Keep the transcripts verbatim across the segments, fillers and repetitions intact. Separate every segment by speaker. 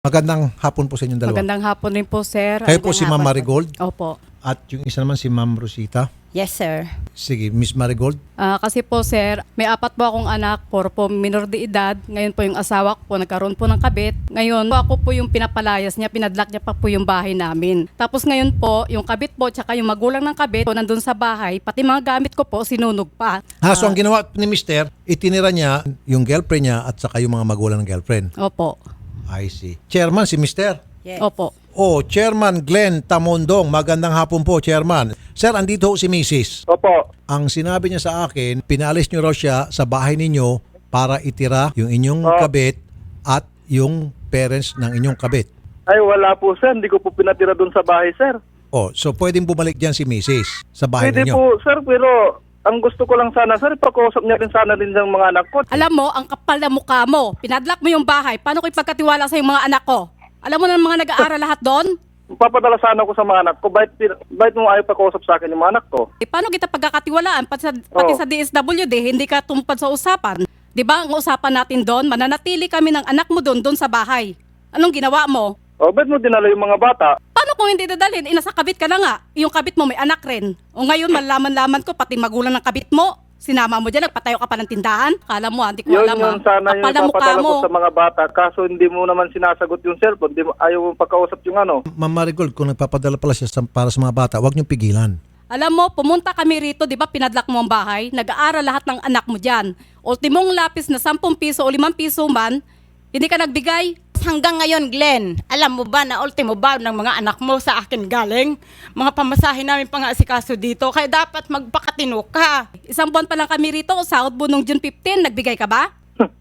Speaker 1: Magandang hapon po sa inyong dalawa.
Speaker 2: Magandang hapon rin po, sir.
Speaker 1: Kayo po
Speaker 2: Magandang
Speaker 1: si Ma'am
Speaker 2: hapon po.
Speaker 1: Marigold
Speaker 2: Opo.
Speaker 1: at yung isa naman si Ma'am Rosita.
Speaker 3: Yes, sir.
Speaker 1: Sige, Miss Marigold.
Speaker 2: Ah, kasi po, sir, may apat po akong anak, puro po minor de edad. Ngayon po yung asawa ko po, nagkaroon po ng kabit. Ngayon po ako po yung pinapalayas niya, pinadlock niya pa po yung bahay namin. Tapos ngayon po, yung kabit po, tsaka yung magulang ng kabit po, nandun sa bahay, pati mga gamit ko po, sinunog pa.
Speaker 1: Ha, so ang ginawa ni Mister, itinira niya yung girlfriend niya at saka yung mga magulang ng girlfriend.
Speaker 2: Opo.
Speaker 1: I see. Chairman, si Mister.
Speaker 3: Yes.
Speaker 2: Opo.
Speaker 1: Oh, Chairman Glenn Tamondong. Magandang hapon po, Chairman. Sir, andito ho si Missus
Speaker 4: Opo.
Speaker 1: Ang sinabi niya sa akin, pinalis niyo raw siya sa bahay ninyo para itira yung inyong
Speaker 4: Oh.
Speaker 1: kabit at yung parents ng inyong kabit.
Speaker 4: Ay, wala po, sir. Hindi ko po pinatira doon sa bahay, sir.
Speaker 1: Oh, so pwedeng bumalik diyan si Missus sa bahay
Speaker 4: Pwede
Speaker 1: ninyo.
Speaker 4: po, sir, pero ang gusto ko lang sana, sir, pakausap niya rin sana din ng mga anak ko.
Speaker 2: Alam mo, ang kapal na mukha mo, pinadlock mo yung bahay, paano ko ipagkatiwala sa yung mga anak ko? Alam mo na mga nag-aaral lahat doon?
Speaker 4: Papadala sana ko sa mga anak ko. Bakit, bakit mo ayaw pakausap sa akin yung mga anak ko?
Speaker 2: Eh, paano kita pagkakatiwalaan? Pati sa, pati
Speaker 4: Oo.
Speaker 2: sa D S W D, hindi ka tumupad sa usapan. Di ba ang usapan natin doon, mananatili kami ng anak mo doon, doon sa bahay. Anong ginawa mo?
Speaker 4: O, bakit mo dinala yung mga bata?
Speaker 2: Paano kung hindi dadalhin? Eh, nasa kabit ka na nga. Yung kabit mo may anak rin. O ngayon, malaman-laman ko, pati magulang ng kabit mo. Sinama mo dyan, nagpatayo ka pa ng tindahan. Kala mo, hindi ko
Speaker 4: Yun
Speaker 2: alam
Speaker 4: yun
Speaker 2: ha.
Speaker 4: sana yung
Speaker 2: Kapal na mukha
Speaker 4: papadala
Speaker 2: mo.
Speaker 4: ko sa mga bata. Kaso hindi mo naman sinasagot yung cellphone. Di mo, ayaw mo pakausap yung ano.
Speaker 1: Ma'am Marigold, kung nagpapadala pala siya sa- para sa mga bata, huwag niyong pigilan.
Speaker 2: Alam mo, pumunta kami rito, di ba pinadlock mo ang bahay? Nag-aaral lahat ng anak mo dyan. Ultimong lapis na sampung piso o limang piso man, hindi ka nagbigay.
Speaker 3: Hanggang ngayon, Glenn, alam mo ba na ultimo ba ng mga anak mo sa akin galing? Mga pamasahe namin pang-aasikaso dito, kaya dapat magpakatino ka.
Speaker 2: Isang buwan pa lang kami rito, sahod mo nung June fifteenth, nagbigay ka ba?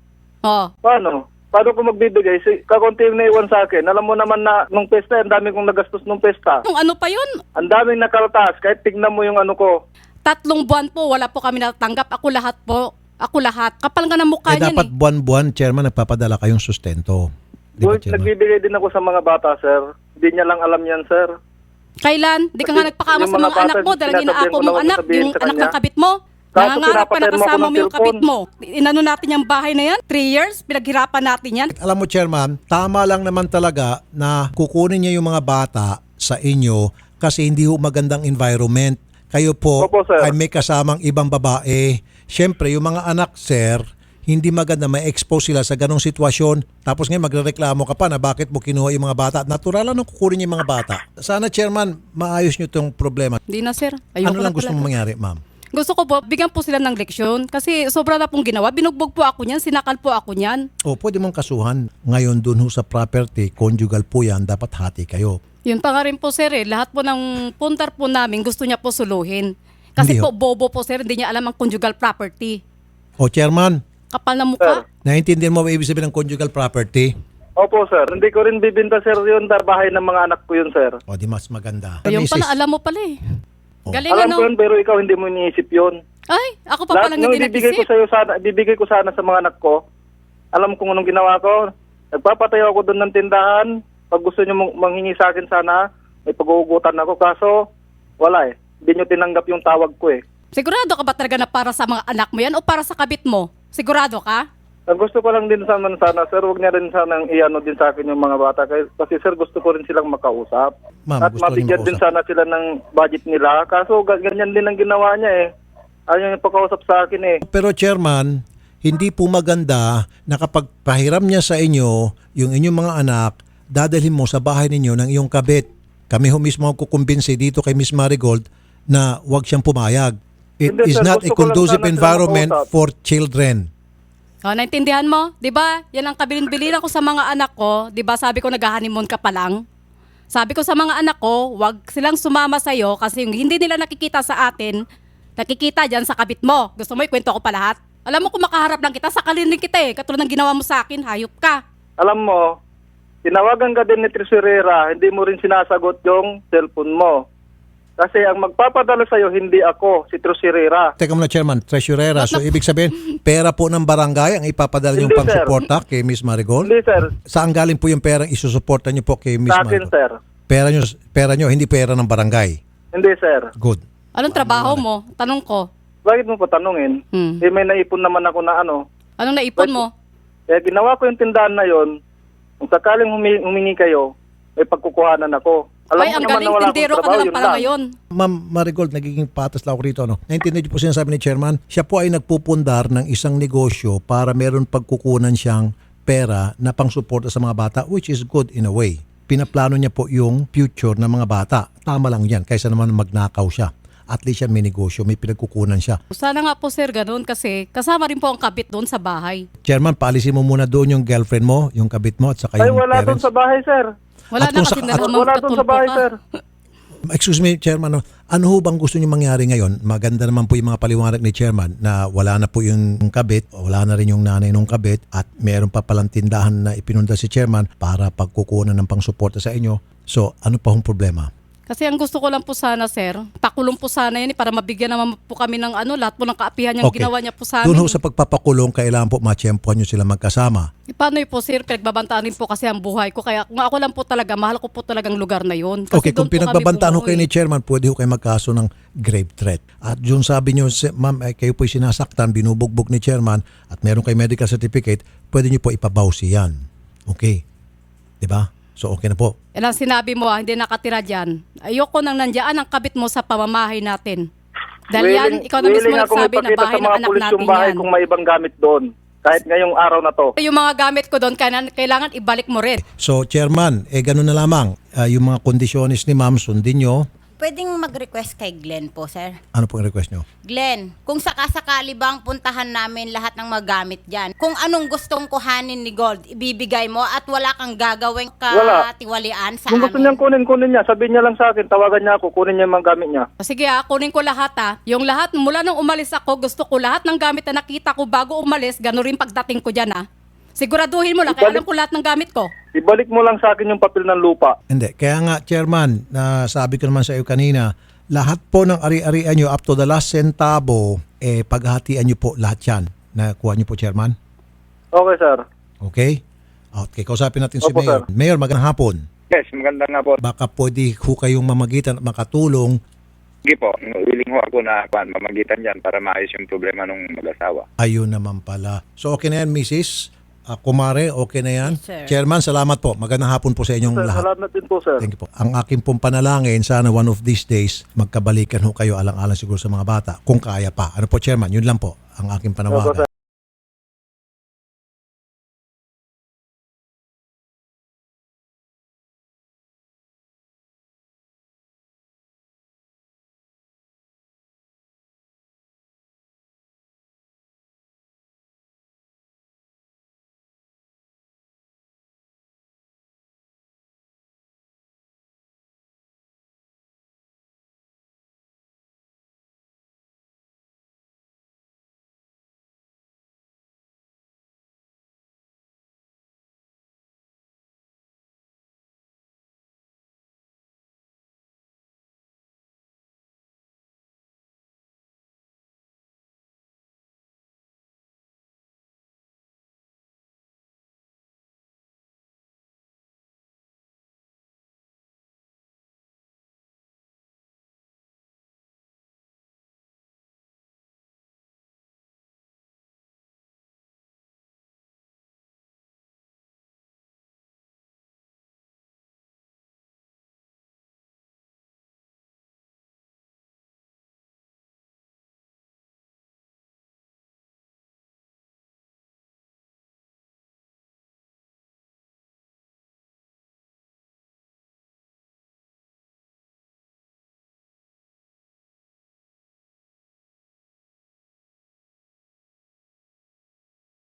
Speaker 2: Oh.
Speaker 4: Paano? Paano ko magbibigay? Si, kakunti yung naiwan sa akin. Alam mo naman na nung pesta, ang dami kong nagastos nung pesta.
Speaker 2: Yung ano pa yun?
Speaker 4: Ang daming nakaltas. Kahit tignan mo yung ano ko.
Speaker 2: Tatlong buwan po, wala po kami natatanggap. Ako lahat po. Ako lahat. Kapal nga ng mukha
Speaker 1: Eh
Speaker 2: niyan
Speaker 1: dapat
Speaker 2: eh.
Speaker 1: buwan-buwan, Chairman, nagpapadala kayong sustento. Di ba,
Speaker 4: Boy,
Speaker 1: Chairman?
Speaker 4: nagbibigay din ako sa mga bata, sir. Hindi niya lang alam yan, sir.
Speaker 2: Kailan? Di ka nga
Speaker 4: Kasi
Speaker 2: nagpakama
Speaker 4: yung
Speaker 2: sa
Speaker 4: mga
Speaker 2: mga anak
Speaker 4: bata,
Speaker 2: mo dahil
Speaker 4: sinasabihan
Speaker 2: inaako
Speaker 4: ko
Speaker 2: mong
Speaker 4: naman
Speaker 2: anak,
Speaker 4: sabihin
Speaker 2: yung
Speaker 4: sa
Speaker 2: anak ng
Speaker 4: kanya.
Speaker 2: kabit mo.
Speaker 4: Kaso
Speaker 2: Nangangarap ka na
Speaker 4: pinapatayan mo ako
Speaker 2: kasama
Speaker 4: ng
Speaker 2: mo yung kabit
Speaker 4: cellphone.
Speaker 2: mo. Inano natin yung bahay na yan? Three years? Pinaghirapan natin yan?
Speaker 1: Alam mo, Chairman, tama lang naman talaga na kukunin niya yung mga bata sa inyo kasi hindi ho magandang environment. Kayo po
Speaker 4: Opo, sir.
Speaker 1: ay may kasamang ibang babae. Siyempre, yung mga anak, sir, hindi maganda ma-expose sila sa ganong sitwasyon. Tapos ngayon magrereklamo ka pa na bakit mo kinuha yung mga bata. Natural lang na kukunin niya yung mga bata. Sana, Chairman, maayos niyo itong problema.
Speaker 2: Hindi na sir. Ayoko
Speaker 1: Ano
Speaker 2: na
Speaker 1: lang gusto
Speaker 2: talaga.
Speaker 1: mong mangyari, ma'am?
Speaker 2: Gusto ko po, bigyan po sila ng leksyon. Kasi sobra na pong ginawa. Binugbog po ako niyan. Sinakal po ako niyan.
Speaker 1: O, pwede mong kasuhan. Ngayon, dun ho sa property, conjugal po yan, dapat hati kayo.
Speaker 2: Yun pa nga rin po sir eh. Lahat po ng puntar po namin gusto niya po suluhin. Kasi
Speaker 1: Hindi
Speaker 2: po
Speaker 1: ho.
Speaker 2: bobo po sir. Hindi niya alam ang conjugal property.
Speaker 1: O, Chairman,
Speaker 2: Kapal na mukha.
Speaker 1: naiintindihan mo ba ibig sabihin ng conjugal property?
Speaker 4: Opo, sir. Hindi ko rin bibinta, sir, yun. Dar bahay ng mga anak ko yun, sir.
Speaker 1: O, di mas maganda.
Speaker 2: Yung
Speaker 1: Misis,
Speaker 2: pala, alam mo pala eh.
Speaker 1: Oh.
Speaker 2: Galing
Speaker 4: Alam
Speaker 2: ano?
Speaker 4: ko yun, pero ikaw hindi mo iniisip yun.
Speaker 2: Ay, ako pa
Speaker 4: Lahat
Speaker 2: palang
Speaker 4: nung
Speaker 2: hindi
Speaker 4: ibibigay ko
Speaker 2: nag-isip.
Speaker 4: sa'yo sana, ibibigay ko sana sa mga anak ko. Alam ko anong ginawa ko. Nagpapatayo ako doon ng tindahan. Pag gusto nyo mong- manghingi sa akin sana, may pag-uugutan ako. Kaso, wala eh. Hindi nyo tinanggap yung tawag ko eh.
Speaker 2: Sigurado ka ba talaga na para sa mga anak mo yan o para sa kabit mo? Sigurado ka?
Speaker 4: Ang gusto ko lang din sana, sana sir, huwag niya rin sana iano din sa akin yung mga bata. Kasi, kasi sir, gusto ko rin silang makausap.
Speaker 1: Ma'am,
Speaker 4: At
Speaker 1: gusto rin
Speaker 4: mabigyan din
Speaker 1: makausap.
Speaker 4: sana sila ng budget nila. Kaso, ga- ganyan din ang ginawa niya eh. Ayaw niya pakausap sa akin eh.
Speaker 1: Pero Chairman, hindi po maganda na kapag pahiram niya sa inyo yung inyong mga anak, dadalhin mo sa bahay ninyo ng iyong kabit. Kami ho mismo ang kukumbinsi dito kay Miss Marigold na huwag siyang pumayag. It
Speaker 4: Hindi,
Speaker 1: is
Speaker 4: sir.
Speaker 1: not a
Speaker 4: Gusto ko lang
Speaker 1: conducive
Speaker 4: sana sila
Speaker 1: environment
Speaker 4: makausap.
Speaker 1: for children.
Speaker 2: O, naintindihan mo? 'Di ba? Yan ang kabilin-biliran ko sa mga anak ko. 'Di ba sabi ko nag-honeymoon ka pa lang? Sabi ko sa mga anak ko, wag silang sumama sa iyo kasi yung hindi nila nakikita sa atin, nakikita diyan sa kabit mo. Gusto mo ikwento ko pa lahat? Alam mo kung makaharap lang kita, sakalin din kita eh. Katulad ng ginawa mo sa akin, hayop ka.
Speaker 4: Alam mo, tinawagan ka din ni Tresurera, hindi mo rin sinasagot yung cellphone mo. Kasi ang magpapadala sa'yo, hindi ako, si Tresurera.
Speaker 1: Teka muna, Chairman, treasurera. So, ibig sabihin, pera po ng barangay ang ipapadala niyong
Speaker 4: Hindi, sir.
Speaker 1: pang-suporta kay Miss Marigold?
Speaker 4: Hindi, sir.
Speaker 1: Saan galing po yung perang isusuporta niyo po kay Miss
Speaker 4: Sa akin,
Speaker 1: Marigold?
Speaker 4: sir.
Speaker 1: Pera niyo, pera niyo, hindi pera ng barangay.
Speaker 4: Hindi, sir.
Speaker 1: Good.
Speaker 2: Anong trabaho mo? Tanong ko.
Speaker 4: Bakit mo pa tanungin?
Speaker 2: Hmm.
Speaker 4: Eh, may naipon naman ako na ano.
Speaker 2: Anong naipon mo?
Speaker 4: Eh, ginawa ko yung tindahan na yon Kung sakaling humi- humingi kayo, may pagkukuhanan ako. Alam
Speaker 2: Ay,
Speaker 4: ko
Speaker 2: ang
Speaker 4: naman
Speaker 2: galing
Speaker 4: na wala akong
Speaker 2: tindero ka
Speaker 4: trabaho,
Speaker 2: na lang
Speaker 4: yun
Speaker 2: pala
Speaker 4: lang.
Speaker 2: ngayon.
Speaker 1: Ma'am Marigold, nagiging patas lang ako rito. No? Naintindihan niyo po sinasabi ni Chairman, siya po ay nagpupundar ng isang negosyo para meron pagkukunan siyang pera na pang-suporta sa mga bata, which is good in a way. Pinaplano niya po yung future ng mga bata. Tama lang yan, kaysa naman magnakaw siya. At least siya may negosyo, may pinagkukunan siya.
Speaker 2: Sana nga po sir ganun kasi kasama rin po ang kabit doon sa bahay.
Speaker 1: Chairman, paalisin mo muna doon yung girlfriend mo, yung kabit mo, at saka
Speaker 4: Ay,
Speaker 1: yung
Speaker 4: wala doon
Speaker 1: parents.
Speaker 4: sa bahay, sir.
Speaker 2: Wala
Speaker 1: At
Speaker 2: na
Speaker 1: kung sa-
Speaker 2: kasi
Speaker 1: at-
Speaker 2: naman
Speaker 4: Wala doon sa bahay, sir.
Speaker 1: Excuse me, Chairman. no? Ano ho bang gusto niyo mangyari ngayon? Maganda naman po yung mga paliwanag ni Chairman na wala na po yung kabit, wala na rin yung nanay ng kabit, at meron pa palang tindahan na ipinunda si Chairman para pagkukunan ng pangsuporta sa inyo. So, ano pa hong problema?
Speaker 2: Kasi ang gusto ko lang po sana sir, pakulong po sana yan eh, para mabigyan naman po kami ng ano, lahat po ng kaapihan niyang ginawa niya po sa
Speaker 1: Doon ho
Speaker 2: amin.
Speaker 1: sa pagpapakulong, kailangan po matsyempohan nyo sila magkasama.
Speaker 2: Eh, paano yun po sir, pinagbabantaan rin po kasi ang buhay ko. Kaya kung ako lang po talaga, mahal ko po talagang lugar na yun. Kasi
Speaker 1: Okay, kung
Speaker 2: doon po kami
Speaker 1: pinagbabantaan ho kayo
Speaker 2: bumuhay.
Speaker 1: ni Chairman, pwede ho kayo magkaso ng grave threat. At yung sabi nyo, si- ma'am, eh, kayo po'y sinasaktan, binubugbog ni Chairman, at meron kayo medical certificate, pwede nyo po ipabawsi yan. Okay? Diba? So, okay na po.
Speaker 2: Yan ang sinabi mo, ah, hindi nakatira dyan. Ayoko nang nandiyan ang kabit mo sa pamamahay natin. Dahil yan,
Speaker 4: Willing-
Speaker 2: ikaw na mismo
Speaker 4: willing ako
Speaker 2: nagsabi na
Speaker 4: magpakita
Speaker 2: bahay
Speaker 4: sa
Speaker 2: ng
Speaker 4: mga
Speaker 2: anak
Speaker 4: pulis
Speaker 2: natin
Speaker 4: yung bahay
Speaker 2: yan.
Speaker 4: kung may ibang gamit doon. Kahit ngayong araw na to.
Speaker 2: Yung mga gamit ko doon, kailangan, kailangan ibalik mo rin.
Speaker 1: So, Chairman, eh ganun na lamang. Ah, yung mga kondisyones ni ma'am, sundin nyo.
Speaker 3: Pwedeng mag-request kay Glenn po, sir.
Speaker 1: Ano po ang request nyo?
Speaker 3: Glenn, kung sakasakali bang puntahan namin lahat ng magamit dyan, kung anong gustong kuhanin ni Gold, ibibigay mo at wala kang gagawing
Speaker 4: Wala.
Speaker 3: katiwalian sa
Speaker 4: Kung gusto
Speaker 3: amin.
Speaker 4: niyang kunin, kunin niya. Sabihin niya lang sa akin, tawagan niya ako, kunin niya yung mga gamit niya.
Speaker 2: O sige ah, kunin ko lahat ah. Yung lahat, mula nung umalis ako, gusto ko lahat ng gamit na nakita ko bago umalis, gano'n rin pagdating ko dyan ah. Siguraduhin mo lang, kaya alam ko lahat ng gamit ko.
Speaker 4: Ibalik mo lang sa akin yung papel ng lupa.
Speaker 1: Hindi. Kaya nga, Chairman, na sabi ko naman sa iyo kanina, lahat po ng ari-arian nyo up to the last centavo, eh, paghatian nyo po lahat yan. Nakuha nyo po, Chairman?
Speaker 4: Okay, sir.
Speaker 1: Okay? Okay, kausapin natin si
Speaker 4: Opo,
Speaker 1: Mayor.
Speaker 4: sir.
Speaker 1: Mayor, magandang hapon.
Speaker 5: Yes, maganda nga po.
Speaker 1: Baka pwede ho kayong mamagitan at makatulong.
Speaker 5: Sige po, willing ho ako na kuan, mamagitan dyan para maayos yung problema ng mag-asawa.
Speaker 1: Ayun naman pala. So, okay na yan, Missus Ah, Kumare, okay na yan?
Speaker 3: Yes, sir.
Speaker 1: Chairman, salamat po. Magandang hapon po sa inyong
Speaker 4: Sir,
Speaker 1: lahat.
Speaker 4: salamat din po, sir.
Speaker 1: Thank you po. Ang akin pong panalangin, sana one of these days, magkabalikan ho kayo alang-alang siguro sa mga bata. Kung kaya pa. Ano po, Chairman? Yun lang po ang aking panawagan.
Speaker 4: Opo, sir.